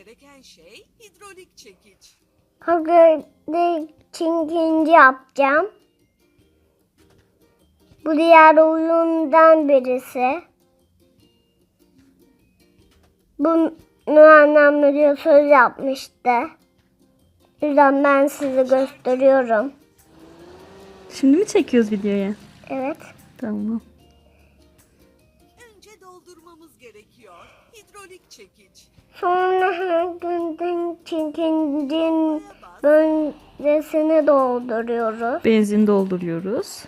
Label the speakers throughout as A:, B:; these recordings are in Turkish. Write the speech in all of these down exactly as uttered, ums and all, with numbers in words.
A: gereken şey hidrolik çekiç.
B: Hidrolik çekici yapacağım. Bu diğer oyundan birisi. Bunu annem video söz yapmıştı. O yüzden ben size gösteriyorum.
C: Şimdi mi çekiyoruz videoya?
B: Evet.
C: Tamam.
A: Önce doldurmamız gerekiyor. Hidrolik çekiç.
B: Sonra hidrolik çekicinin bölgesini dolduruyoruz.
C: Benzin dolduruyoruz.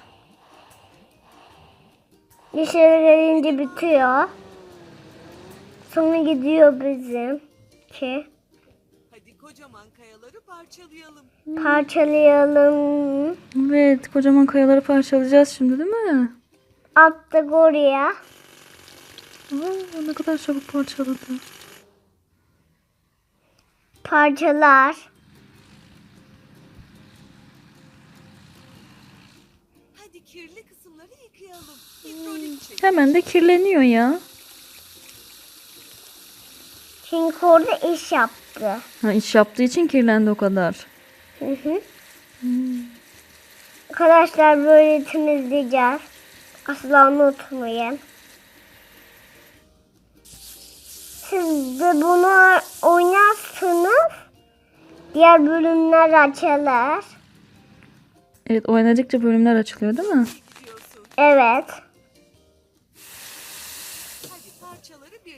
B: Dışarı gelince bitiyor. Sonra gidiyor bizimki.
A: Hadi kocaman kayaları parçalayalım.
B: Parçalayalım.
C: Evet, kocaman kayaları parçalayacağız şimdi, değil mi?
B: Attık oraya.
C: Aa, ne kadar çabuk parçaladı.
B: Parçalar.
A: Hadi kirli kısımları yıkayalım. Hidrolik çekiç.
C: Hemen de kirleniyor ya.
B: Çünkü orada iş yaptı.
C: Ha, iş yaptığı için kirlendi o kadar.
B: Hı hı. Arkadaşlar böyle temizleyeceğiz. Asla unutmayın. Siz de bunu oynarsınız. Diğer bölümler açılır.
C: Evet, oynadıkça bölümler açılıyor, değil mi?
A: Gidiyorsun.
B: Evet.